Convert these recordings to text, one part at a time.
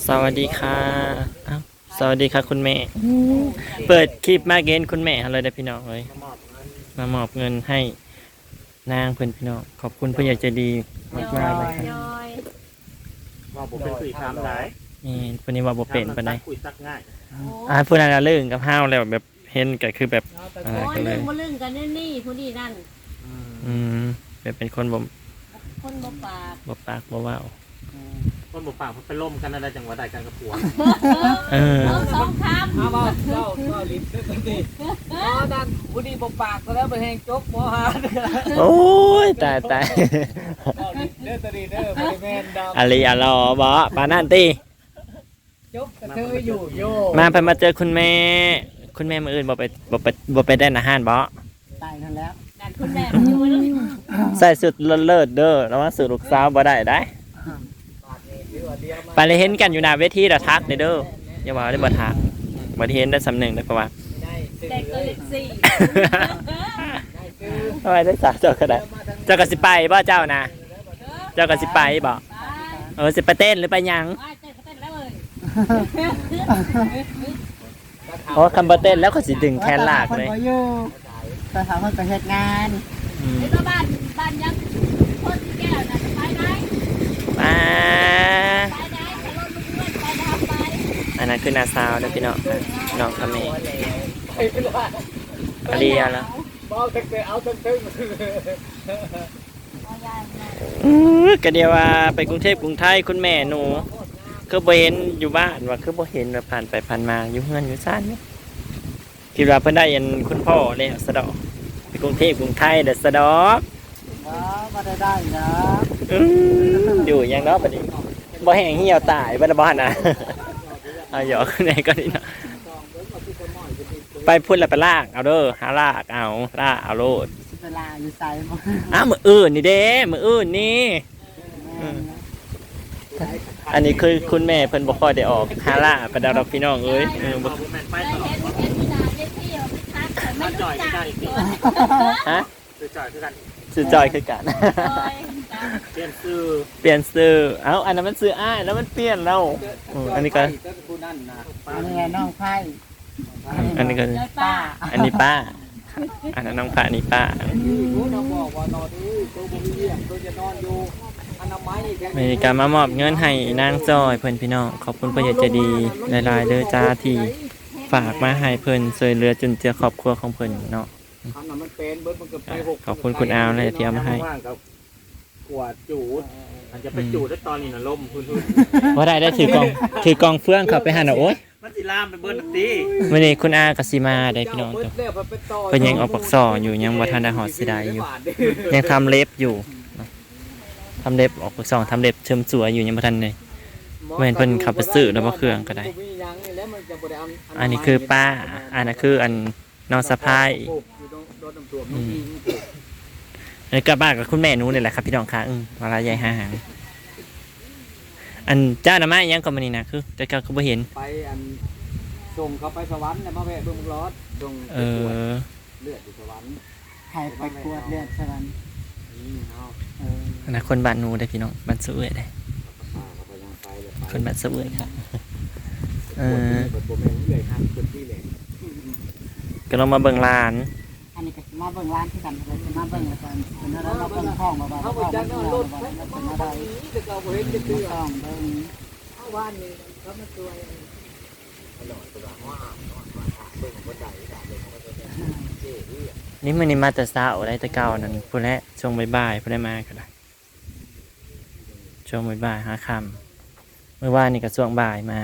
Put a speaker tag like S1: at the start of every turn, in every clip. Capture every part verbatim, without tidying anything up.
S1: สวัสดีค่ะอ้าวสวัสดีค่ะคุณแม่เปิดคลิปมาเกณฑ์คุณแม่อะไรได้พี่น้องเลยมามอบเงินให้นางเพื่อนพี่น้องขอบคุณผู้ใหญ่ใจดีมากมากเลยค่ะ
S2: ว่าผมเป็นคุยคำได้
S1: นี่คนนี้ว่าบ่เป็นปานใด
S2: คุยซักง่าย
S1: อ่าผู้นั้นเรื่องกับห้าวแล้วแบบเห็นก็คือแบบอะไร
S3: โอ้
S1: กั
S3: ย
S1: นเล
S3: ลึ
S1: ย
S3: งมาลึงกันนี่นี่ผู้นี้นั่น
S1: อืมแบบเป็นคนบ่
S3: คนบ่ปาก
S1: บ่ปากบ่เว้า
S2: คนบอกปากมันไปล่มกันอะไรจังหวะใดกันกับผัว
S1: เออ
S3: เอาสองค
S4: เอาบ่เจ้าเจ้าลิ้นเด้อนี่อ๋อนั่นผู้ดีบ่ปากก็แล้วไปแหงจกบ่หาเด้อ
S1: โอ้ยตายตาย
S4: เจ้าลิ้นเด้อตะดีเด้อบ่ได้แม่นดอก
S1: อะไรอะรอบ่ปานนั่นติ
S4: จกกระเทยอยู่โย
S1: มาเพิ่นมาเจอคุณแม่ คุณแม่มื้ออื่นบ่ไปบ่ไปบ่ไปได้อาหารบ่
S4: ตายนั่นแล้ว
S3: ำนั่นคุณแม่มันอยู่ลึง
S1: ใส่สุดเลิศๆเด้อแล้วว่าสูตรลูกสาวบ่ได้ได้
S4: บาดนี้คือว่าเดียวมา
S1: ไปเลยเห็นกันอยู่หน้าเวทีดะทักเด้อเด้ออย่าว่าได้บ่ทักบ่ได้เห็นได้สำนึกได้เพราะว่า
S4: ได้ซื้อ
S3: แต่ก็
S4: เลย
S3: เล็กสี่
S4: ได้ซื้อ
S1: ทำไมได้สาวเจ้าก็ได้เจ้าก็สิไปบ่เจ้านะเจ้าก็สิไปบ่
S3: ไป
S1: เออสิไปเต้นหรือไปหยัง
S3: ไปเต้นเขาเต้นแล้วเลย
S1: โอ้คำบ่เต้นแล้วก็สิดึงแขนลากเลย
S5: คนบ่อยู่ไปถามคนไปเฮ็ดงาน
S1: อืม
S3: ไอ้ตัวบ้านบ้านยังคนที่แก้วน่ะไปไหน
S1: มา
S3: ไปไหนไปรถลูกเพื่อนไปทำไป
S1: อันนั้นคือนาซาวเด้อพี่น้องน้องกับแม่
S4: ไอ้เป็นว่า
S1: อาเรียแล้ว
S4: บ่เอาแต่เอาตึ้ง
S3: เอายายมา
S1: อือก็เดียวว่าไปกรุงเทพกรุงไทยคุณแม่หนูคือบ่เห็นอยู่บ้านว่าคือบ่เห็นว่าผ่านไปผ่านมาอยู่เฮือนอยู่ซ่านนี่คิดว่าเพิ่นได้ยันคุณพ่อแล้วสะดอกไปกรุงเทพกรุงไทยเด้อสะดอก
S5: ว้าบ่ได้ได้นะ
S1: อืมอยู่ยังเนาะบัดนี้บ่แห้งเหี่ยวตายบ่ได้บ่หั่นน่ะเอาหยอกไหนก็นี่เนาะไปพุ่นแล้วไปลากเอาเด้อหาลากเอาลากเอาโลด
S5: เวลาอยู่ไสบ่
S1: อ้าวมื้ออื่นนี่เด้มื้ออื่นนี่อืมอันนี้คือคุณแม่เพิ่นบ่ค่อยได้ออกหาลากไปดอกพี่น้องเอ้ยเออบ่
S2: ผมแมนไป
S3: เคย
S2: ต่อ
S3: เห็นเห็นที่ด่าเล็กที่เอาไปทักแต่ไม่รู้จักอีกเลย
S1: ฮะ
S2: คือจ่อยคือกัน
S1: ชื่อจอยคือกัน
S2: เปลี่ยนซื้อ
S1: เปลี่ยนชื่อเอ้าอันนั้นมันชื่ออ้ายแล้วมันเปลี่ยนแล้วอืมอันนี้ก็
S4: ผู้นั่นนะ
S5: อันนี้น้องไผ่
S1: อันนี้ก็
S3: ยายป้า
S1: อันนี้ป้า อันนั้นน้องป้าอันนี้ป้า
S4: รู้น้องบอกว่านอนนี่ตัวบ่มีเรื่องตัวจะนอนอยู่อนามัยแค่
S1: มีการมามอบเงินให้นางจอยเพื่อนพี่น้องขอบคุณผู้ใหญ่ใจดีหลายๆเด้อจ้าที่ฝากมาให้เพิ่นช่วยเหลือจุนเจือครอบครัวของเพิ่นเนาะ
S4: ทำน่ะมันเป็นเบิดมันก็ไปหก
S1: ขอบคุณคุณอาวเลยที่เอามาให้
S2: ว่างกับขวดจูดมันจะไปจูดได้ตอนนี้น่ะล่มพื้น
S1: ว่าได้ได้ถือกองถือกองเฟื่องเข้าไปหาน่ะโอ๊ย
S2: มันสิลามไปเบิ้ลตี
S1: มื้อนี้คุณอาก็สิมาได้พี่น้องจ้ะเพิ่นยังเอาปักซ่ออยู่ยังบ่ทันได้ฮอดสิได้อยู่ยังทำเล็บอยู่เนาะทำเล็บออกปักซ่อทำเล็บเชิมสวยอยู่ยังบ่ทันเลยเว้นเพิ่นขับไปซื้อแล้วบ่เครื่องก็ได้ อันนี้คือป้าอันนั้นคืออันน้องสะพ้ายอืมอันนี้ก็บ้านกับคุณแม่หนูนี่แหละครับพี่น้องค่ะอืมเวลาใหญ่หาหางอันเจ้าหน้าไม้ยังก็มานี่นะคือ แต่ก็บ่เห็น
S4: ไปอันส่งเขาไปสวรรค์เนี่ยมาแวะเบิ่งรถส่ง
S1: เออ
S4: เลือดอยู่สวรรค์
S5: ให้ไปกวดเลือดซะนั้น
S4: นี่เนาะ
S5: เออ
S1: อันนั้นคนบ้านหนูได้อพี่น้องบ้านสะเอื้อยได้อ
S4: ป้าเขาไปยังไปเลยไป
S1: คนบ้านสะเอื้อยค่ะเออ
S4: เปิดโปรแกรมเลยห้างเปิดที่เลย
S1: ก็ลองมาเบิ่งร้าน
S5: อันนี้ก็สิมาเบิ่งร้านที่กันเลยสิมาเบิ่งแล้วกันเป็นอะไรมาเบิ่งห้องมาบ่า
S4: เขา
S5: ห้
S4: ไป
S5: อง
S4: จั
S5: มัน
S4: ง
S5: เป็น
S4: รถ
S5: อะไร
S4: ไป
S5: เป็น
S4: มา
S5: อะไร
S4: บ้านนี้จะเราเห็นจะเตือ
S5: ต้องเบิ่ง
S4: เข้าบ้านนี่เขามาช่วยตลอดตลอดว่าเบิ่งคนใดด่าเบิ่งคนใดเจ๊ที่
S1: นี่มื้อนี้มาแต่เช้าได้แต่เก่านั่นพุ่นแหละช่วงบ่ายๆพุ่นได้มาก็ได้ช่วงบ่ายๆหาค่ำเมื่อวานนี่ก็ช่วงบ่ายมา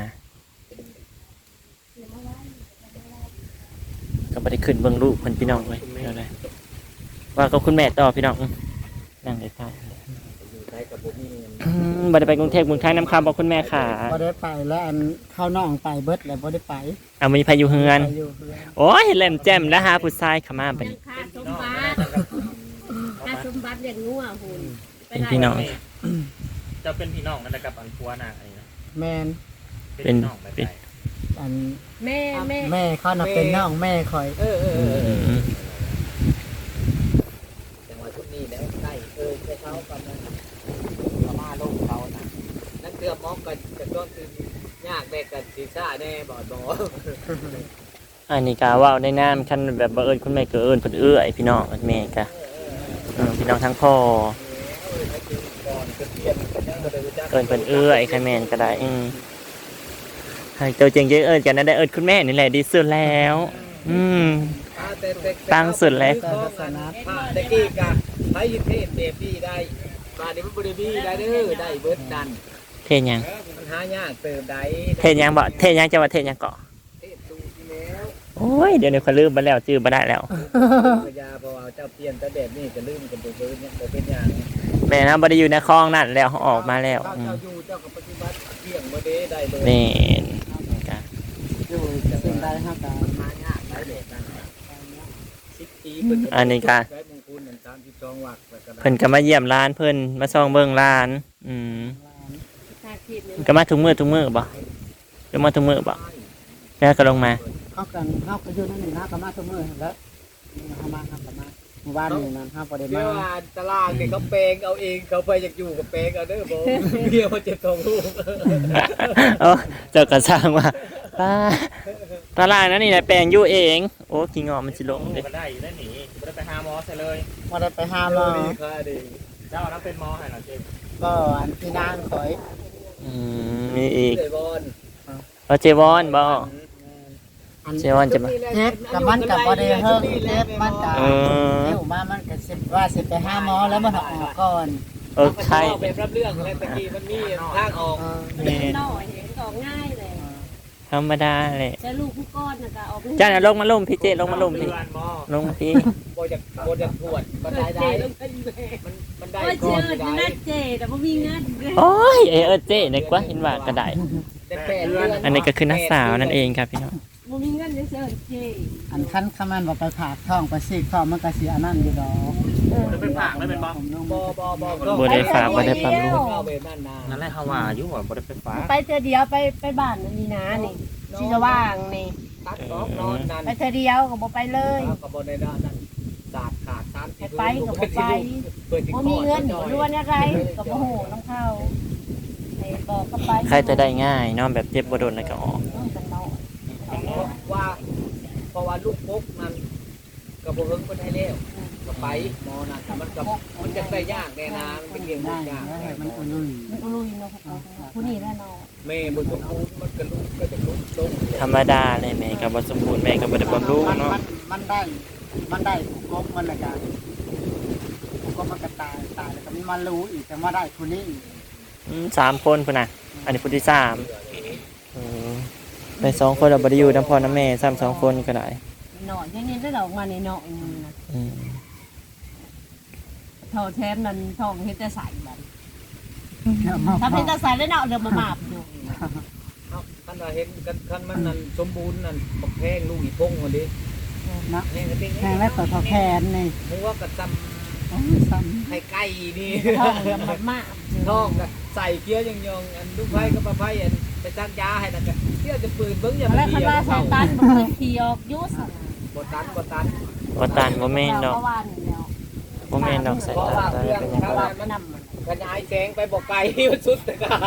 S1: ก็บ่ได้ขึ้นเบิ่งลูกเพิ่นพี่น้องเลยเอาได้ว่ากับคุณแม่ต่อพี่น้องอื้อนั่งได้ท่า
S4: อยู่ใช้กับผมนี่
S1: อืมบ่ได้ไปกรุงเทพกรุงไทยน้ำคำบอกคุณแม่ค่ะ
S5: บ่ได้ไปแล้วอันเข้าน้องไปเบิดแล้วบ่ได้ไป
S1: เอามีพายุเฮือน
S5: ไปอยู่เพื่อน
S1: โอ้ยแหลมแจ่มแล้วหาผู้ชายเข้ามาบัด
S3: ยัง
S1: นี้
S3: ค่าสมบัติค่าสมบัติอย่างงัวหุ่น
S1: เป็นพี่น้อง
S2: จะเป็นพี่น้องนั่นแหละกับอันพัวน่ะอะไรนะ
S5: แม่น
S2: เป็นพี่น้องแบบไหน
S5: อัน
S3: แม่แม่
S5: แม่เขาน่ะเป็นน้องแม่คอย
S4: เออเออ
S1: อื
S4: เออ
S1: ม
S4: จังหวะชุดนี้แล้วได้เออแค่เขากำลังประมาณลงเขาน่ะนั่นเกือบมองกันจะต้นคือยากเด็กกับซีซ่าแน่บอดบอ
S1: อันนี้กาว่าได้น้ำคันแบบบังเอิญคุณแม่เกิดเอิญเพิ่นเอื้อยพี่น้องแม่กะอืมพี่น้องทั้งพ่อเอิญเพิ่นเอื้อยใครแม่นก็ได้อืมให้ตัวจริงเยอะเอิญกันนั้นได้เอิญคุณแม่นี่แหละดีสุดแล้ว อืม ตั้งสุดแล้ว
S4: ตะกี้กะไพ่เทศเดบี้ได้บาดนี้มันบริบี้ได้เด้อได้เบิร์ดดัน
S1: เทศยัง
S4: มันหายากเติมได้
S1: เทศยังบ่เทศยังจะว่าเทศยังเกาะ
S4: เทศดูที่แล้ว
S1: โอ้ยเดี๋ยวนี้เขาลืมไปแล้วจื้อมาได้แล้ว
S4: พยาเพราะว่าเจ้าเพียนแต่แบบนี้จะลืมกันไปเบิร์ดเนี่ยบ่เป็นอย่าง
S1: แม่นะบ่ได้อยู่ในคลองนั่นแล้วเขาออกมาแล้ว
S4: เจ้า
S1: อืม
S4: เจ้าอยู่เจ้ากับปฏิบัติเที่ยงบ่ได้ได้เลย
S1: แม่นกะ
S5: อยู่สิ่งใดเฮาก็
S4: หายากได้เด็กนั่นสิบปี
S1: อันนี้กะ
S4: ได้มงคลนั่นสามสิบสองวักแล้วก็ได้
S1: เพิ่นก็มาเยี่ยมร้านเพิ่นมาส่องเบิ่งร้าน อืม
S3: ชาคิดเนี่ย
S1: ก็มาทุกมื้อทุกมื้อบ่หรือมาทุกมื้อบ่แล้วก็ลงมา
S5: เฮากันเฮาก็อยู่นั่นนี่นะก็มาทุกมื้อแล้วเฮามาเฮาก็มาหมู่บ้านนี่นั่นเฮาบ่ได้
S4: เรี
S5: มาย
S4: กว่าตารางเนี่ยเขาแปลงเอาเองเขาไปอยากอยู่กับแปลงเอาเด้อบ่เมียมาเจ็บท้องลูก
S1: เอ้าเจ้าก็สร้างว่าป้าตารางนั้นนี่นะแปลงอยู่เอง โอ้ขี้งอมันสิลงเด้
S2: ก็ได้อยู่ได้หนีบ่ได้ไปหาหมอซะเลย
S5: บ่ได้ไปหาหมอ
S4: ดีค่ะดี
S2: เจ้านั้นเป็นหมอให้หน่อยเจ๊
S5: ก็อันที่นางข่อย
S1: อืมมีอีก
S4: เลยบอล
S1: เอาเจวอนบ่
S5: อัน
S1: เจวอนจะมา
S5: เจ็บกับมันกับบ่ได้เฮิงเจ็บมันก็
S1: เออ
S5: เดี๋ยวมามันก็สิว่าสิไปหาหมอแล้วมันออกก่อน
S1: เออใช่
S4: เป็นรับเรื่องแล้วตะกี้มันมีทางออก
S5: เออ
S1: แม่น
S3: น้อยเห็นออกง่ายเลย
S1: ธรรมดาแหละ
S3: แต่ลูกผู้ก้อนน่ะก็ออก
S1: จ้าน่ะลงมาลงพี่เจลงมาลงพี่
S4: เดือนหมอ
S1: ลงมาพี่
S4: โบจากโบจากปวดมันได้ได้มันมันได้
S3: โอ้ย
S4: ก่
S3: เจ
S4: อน
S3: อ
S4: ได้
S3: น่าเจแต่บ่มีเงินเลย
S1: โอ้ยเออเจนึกว่าเห็นว่าก็ได้
S4: แต่แปดเดือน
S1: อันนี้ก็คือนักสาวนั่นเองครับพี่น้อง
S3: บ่มีเงินเลยเจอเจ
S5: อันคันคำมันว่าไปผากท้องไปซีกท้องมันก็สิอันนั้นอยู่ดอก
S2: จะเป็นผักได้เป็นบ่
S5: ผมน้อง
S4: บ
S5: บ่
S4: อบอบอ
S1: บ่ได้ฝากบ่ได้ปั๊มลูก
S4: เอาไปนั่นนา
S2: นั่นแหละเฮาว่าอยู่ว่าบ่ได้ไปฟ้า
S3: ไปเธอเดียวไปไปบ้านนี่นะนี่ชีสว่างนี่
S4: ตัดออกนอนนั่น
S3: ไปเธอเดียวก็บ่ไปเลย
S4: กับบนในด้านนั้นสาดขาดสาร
S3: ไปไปก็บ่ไปบ่มีเงินอยู่ล้วนอะไรก็บ่ฮู้น้องเขาไอ้บอกก็ไป
S1: ใครจะได้ง่ายเนาะแบบเจ็บบ่โดนแล้วก็ออก
S3: กันน้อย
S4: ว่าเพราะว่าลูกปุ๊กนั้นกับบ่เฮิงคนให้แล้วก็ไปหมอนั่นมันกับมันจะได้ยากแน่นะมันเป็นเรื่อง
S5: ได้
S4: ยาก
S5: แล้วให้มันอุ่นลุย
S3: มันก็ลุยเนาะพวกเขาผู้นี้แน่นอน
S4: แม่บ่สมบูรณ์มันก็ลุกก็จะลุกลง
S1: ธรรมดาเลยแม่ก็บ่สมบูรณ์แม่ก็บ่ได้บำรุง
S5: มัน
S1: เนาะ
S5: มันมันได้ มันได้ถูกกบมันละกันถูกกบมันก็ตายตายแล้วก็มีมันรู้อีกแต่ว่าได้คนนี้อีก
S1: อืมสามคนพุ่นน่ะ อันนี้ผู้ที่สามเออไปสองคนเราบ่ได้อยู่นำพ่อนำแม่ซ้ำสองคนก็ได้
S3: หน่อยนี่ได้ดอกมาในเนาะนะ
S1: อืม
S3: เท่าแทนนั้นทองเฮ็ดแต่ใส่บัด
S5: เดี๋ยวมา
S3: ถ้าเป็นแต่ใส่แล้วเนาะเดี๋ยวมามาบอยู่
S4: คันว่าเห็นคันมันนั่นสมบูรณ์นั่นบักแพงลูกอีพงคนนี้
S5: นะ
S4: แห้งกระติ้ง
S5: แทงแล้วตัวทอแขนนี่
S4: มึงว่ากระซ
S5: โอ้ยซ้
S4: ำไข่ไก่นี่
S3: ทองเดี๋ยวมามาบ
S4: ท้องก็ใส่เกี๊ยวยังยองอันลูกไผ่ก็ปลาไผ่อันไปซักยาให้นั่นก็เที่ยวจะปืนเบิ้งอย่า
S3: แล้ว
S4: มา
S3: คัน
S4: เดียว
S3: ว่าใส่
S4: เข้า
S3: ตันบ่เคยขี่ออกยุส
S4: บ่ตันบ่ตัน
S1: บ่ตันบ่แม่นดอก
S3: เพราะว่านี่แล้ว
S1: บ่แม่นดอกสาย
S4: เพราะ
S1: ตา
S4: ว่า
S1: ตา
S4: เครื่อง
S1: เป็นหยัง
S4: ถ้า
S1: บ่
S4: ว่ามันขยายแสงไปบ่ไกลมันสุดแต่การ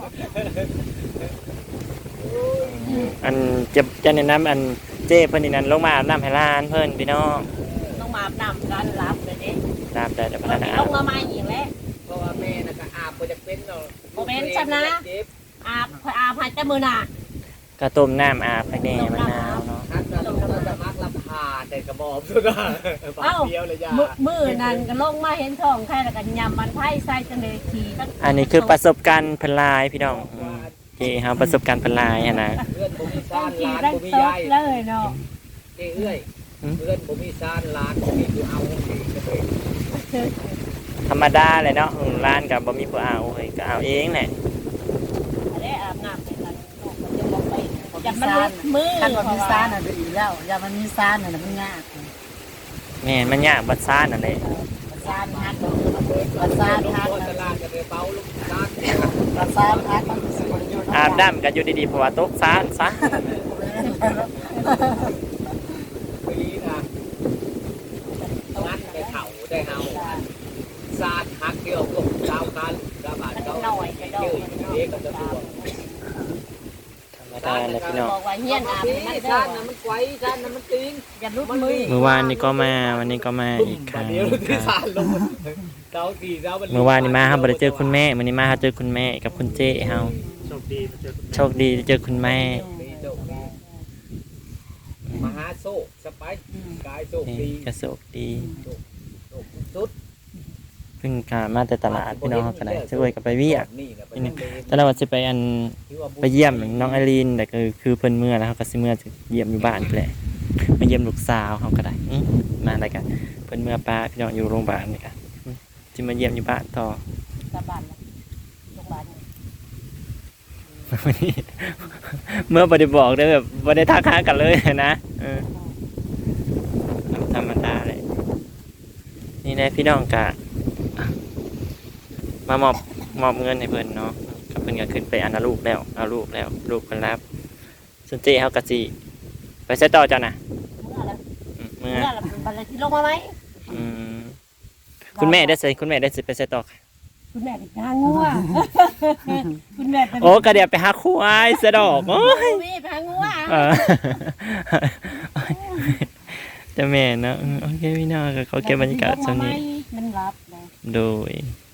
S1: อันจะจะแนะนำอันเจ้เพิ่นนี่นั่นลงมาอาบน้ำให้หลานเพิ่นพี่น้อง
S3: ต้องมาอาบน้ำกันรับเลยเด้
S1: ตามแต่เดี๋ยว
S3: ต
S1: พ
S3: อ
S1: นั
S3: น
S1: ก
S3: นี้
S1: งา
S3: ล
S1: น
S3: งมาใหม่อีกแล้ว
S4: เพราะว่าแม่น่ะก็อาบบ่จะเป็นเนาะ
S3: บ่เป็นซะนะ
S4: เจ็บ
S3: อาบคอยอาบให้แต่มื้อหน้า
S1: ก็ต้มน้ำอาบให้แน่มะนาวเนาะ
S4: ทักก็ต้องจะมักลำพาแต่กระบอกสุดอ่ะปากเดียวเลยยา
S3: มื้อมื้อนั้นก็ลงมาเห็นท้องใครแล้วก็ยำมันไผ่ใส่จังได๋ขี่ตั้ง
S1: อันนี้คือประสบการณ์เพิ่นหลายพี่น้องอืมเจ้เฮาประสบการณ์เพิ่นหลายหันนะ
S4: เพื่อนบ่มี
S3: ต้อ
S4: ซ่าง น
S3: ขี่
S4: ร้าน
S3: ตั้ง
S4: บ่มี
S3: โต๊ะ
S4: ยาย
S3: เลยเนาะ
S4: เอ้ยเอ้ยเพื่อนบ่มีซ่านร้านบ่มีคือเอาเองก็เลย
S1: ธรรมดาเลยเนาะอืมร้านก็บ่มีผู้เอาเฮ้ยก็เอาเองแหละ
S3: อันนี้อาบน้ำให้กันมันจะบ่ไปอย่ามันลุกมือ
S5: ำคันว่ามีซานอ่ะดีแล้วอย่ามันมีซานอ่ะมันยาก
S1: แม่นมันยากบัดซ่านนั่นแหละ
S5: ซานฮักมันซานฮัก
S4: โคตรลาดก็เลยเป่าลูกซ่าน
S5: มันซานฮักมันสิบ่อยู่
S1: อาบน้ำก็อยู่ดีๆเพราะว่าตกซ่านซะ
S4: ไปลีนะงัดไปเผาได้เฮาซ่านฮักเดียวก็เจ้ากันกระบาด
S3: มัน
S4: เจ้า
S3: หน่อยกระโด
S4: เจอ
S3: ด
S4: เด็กกับตัว
S1: ตายแล้วพี่น้อง
S3: บอกว่าเฮียนอาบมัน
S4: ชาตินั้นมันไกวชาตินั้นมันตีน
S3: อย่าลุดมือ
S1: เมื่อวานนี้ก็มาวันนี้ก็มาอีกครั้ง
S4: เดี๋ยวที่ชาติลงเสาสี่เสา
S1: เมื่อวานนี้มาครับบ่ได้เจอคุณแม่วันนี้มาเจอคุณแม่กับคุณเจ้เฮา
S2: โชคดีมาเจอคุณ
S1: โชคดีได้เจอคุณแม่
S4: มหาโศกสไปกายโศก
S1: นี่
S4: ดี
S1: ก็โชคดี
S4: โศกสุด
S1: เพิ่งกลับมาแต่ตลาดพี่น้องเขาก็ได้ช่วยกันไปเวียก
S4: นี่นะ
S1: ตอนนั้นว่าจะไปอันไปเยี่ยมน้องไอรีนแต่ก็คือเพิ่นเมื่อแล้วเขาก็สิเมื่อจะเยี่ยมอยู่บ้านแหละมาเยี่ยมลูกสาวเขาก็ได้อื้อมาได้กันเพิ่นเมื่อป้าพี่น้องอยู่โรงพยาบาลนี่ค่ะอื้อจะมาเยี่ยมอยู่บ้านต่อ
S3: กลับบ้านแล้วโรงพยาบาล
S1: วันนี้เมื่อบ่ได้บอกได้แบบบ่ได้ทักหากันเลยนะเออธรรมดาเลยนี่แหละพี่น้องกะมามอบมอบเงินให้เพิ่นเนาะก็เพิ่นก็ขึ้นไปเอาลูกแล้วเอาลูกแล้วลูกเพิ่นรับส่วนเจ้เฮาก็สิไปใช้ต่อจ้ะนะ
S3: เมื่อแล้ว
S1: อืม
S3: เมื่
S1: เมื่
S3: อ
S1: อ
S3: แล้วบัดนี้ที่ลงมาไหม
S1: อืมคุณแม่ได้ใส่คุณแม่ได้สิไปใช้ต่อ
S3: คุณแม่เป็นทางงัวคุณแม่เป็น
S1: โอ้ก็เดี๋ยวไปหาควายซะดอกโอ้ย
S3: มีทางงัว
S1: เออจะแม่เนาะอืมโอเคพี่น้องก็ขอเก็บบรรยากาศช่วงนี้
S3: มันรับเลย
S1: โดย